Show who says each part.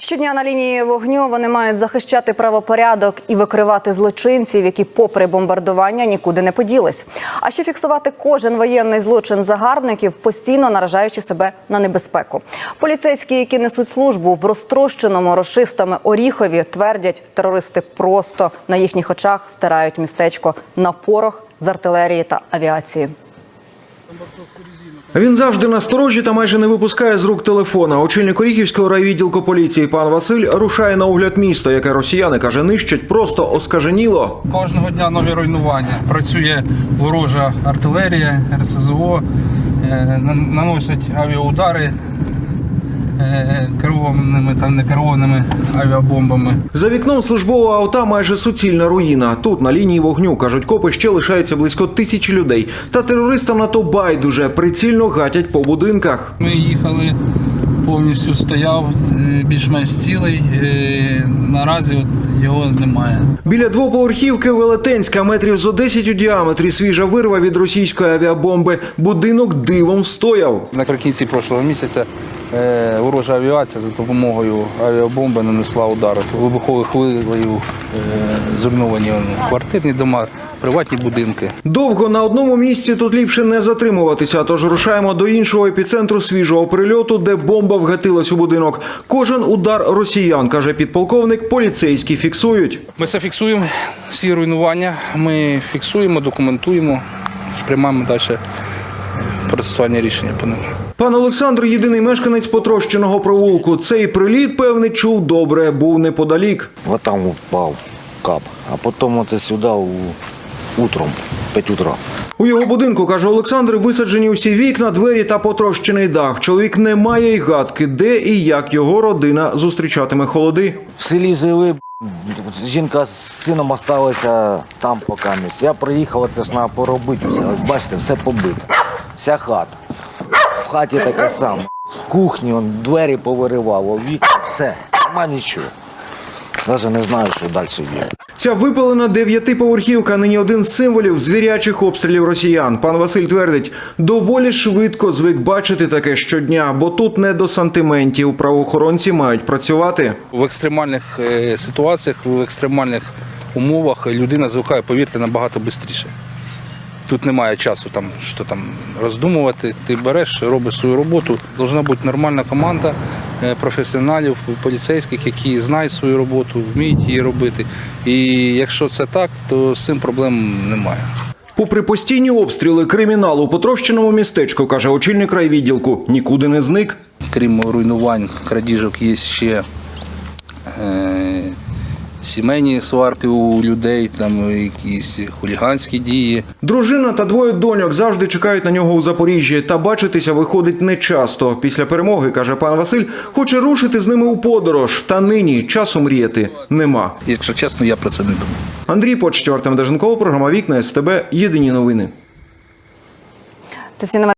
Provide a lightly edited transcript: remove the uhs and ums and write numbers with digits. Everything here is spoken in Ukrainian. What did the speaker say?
Speaker 1: Щодня на лінії вогню вони мають захищати правопорядок і викривати злочинців, які попри бомбардування нікуди не поділись. А ще фіксувати кожен воєнний злочин загарбників, постійно наражаючи себе на небезпеку. Поліцейські, які несуть службу в розтрощеному рашистами Оріхові, твердять, терористи просто на їхніх очах стирають містечко на порох з артилерії та авіації.
Speaker 2: Він завжди насторожі та майже не випускає з рук телефона. Очільник Оріхівського райвідділку поліції пан Василь рушає на огляд міста, яке росіяни, каже, нищать просто оскаженіло.
Speaker 3: Кожного дня нові руйнування. Працює ворожа артилерія, РСЗО, наносять авіаудари керованими та некерованими авіабомбами.
Speaker 2: За вікном службового авто майже суцільна руїна. Тут, на лінії вогню, кажуть копи, ще лишається близько 1000 людей. Та терористам на то байдуже, прицільно гатять по будинках.
Speaker 3: Ми їхали, повністю стояв, більш-менш цілий. Наразі його немає.
Speaker 2: Біля двоповерхівки Велетенська, метрів зо 10 у діаметрі, свіжа вирва від російської авіабомби. Будинок дивом встояв.
Speaker 3: Наприкінці прошлого місяця ворожа авіація за допомогою авіабомби нанесла удар. Вибуховою хвилею зруйновані квартирні дома, приватні будинки.
Speaker 2: Довго на одному місці тут ліпше не затримуватися, тож рушаємо до іншого епіцентру свіжого прильоту, де бомба вгатилась у будинок. Кожен удар росіян, каже підполковник, поліцейські фіксують.
Speaker 3: Ми все фіксуємо, всі руйнування, ми фіксуємо, документуємо, приймаємо далі процесуальні рішення по ним.
Speaker 2: Пан Олександр – єдиний мешканець потрощеного провулку. Цей приліт, певне, чув добре, був неподалік.
Speaker 4: Вот там упал кап, а потом вот сюда утром, 5 утра.
Speaker 2: У його будинку, каже Олександр, висаджені усі вікна, двері та потрощений дах. Чоловік не має й гадки, де і як його родина зустрічатиме холоди.
Speaker 4: В селі жили, жінка з сином залишилася там поки місць. Я приїхав, це ж треба поробити все. Ось бачите, все побито, вся хата. В хаті таке саме. В кухні он двері повиривав, вікна, все, нема нічого. Навіть не знаю, що далі є.
Speaker 2: Ця випалена 9-поверхівка нині один з символів звірячих обстрілів росіян. Пан Василь твердить, доволі швидко звик бачити таке щодня, бо тут не до сантиментів. Правоохоронці мають працювати.
Speaker 3: В екстремальних ситуаціях, в екстремальних умовах людина звикає, повірте, набагато швидше. Тут немає часу що роздумувати. Ти береш, робиш свою роботу. Должна бути нормальна команда професіоналів, поліцейських, які знають свою роботу, вміють її робити. І якщо це так, то з цим проблем немає.
Speaker 2: Попри постійні обстріли, кримінал у потрощеному містечку, каже очільник райвідділку, нікуди не зник.
Speaker 3: Крім руйнувань, крадіжок, є ще сімейні сварки у людей, там якісь хуліганські дії.
Speaker 2: Дружина та двоє доньок завжди чекають на нього у Запоріжжі. Та бачитися виходить нечасто. Після перемоги, каже пан Василь, хоче рушити з ними у подорож. Та нині часу мріяти нема.
Speaker 3: Якщо чесно, я про це не думаю.
Speaker 2: Андрій Почтєв, Артем Деженков, програма «Вікна СТБ». Єдині новини.
Speaker 1: Це всі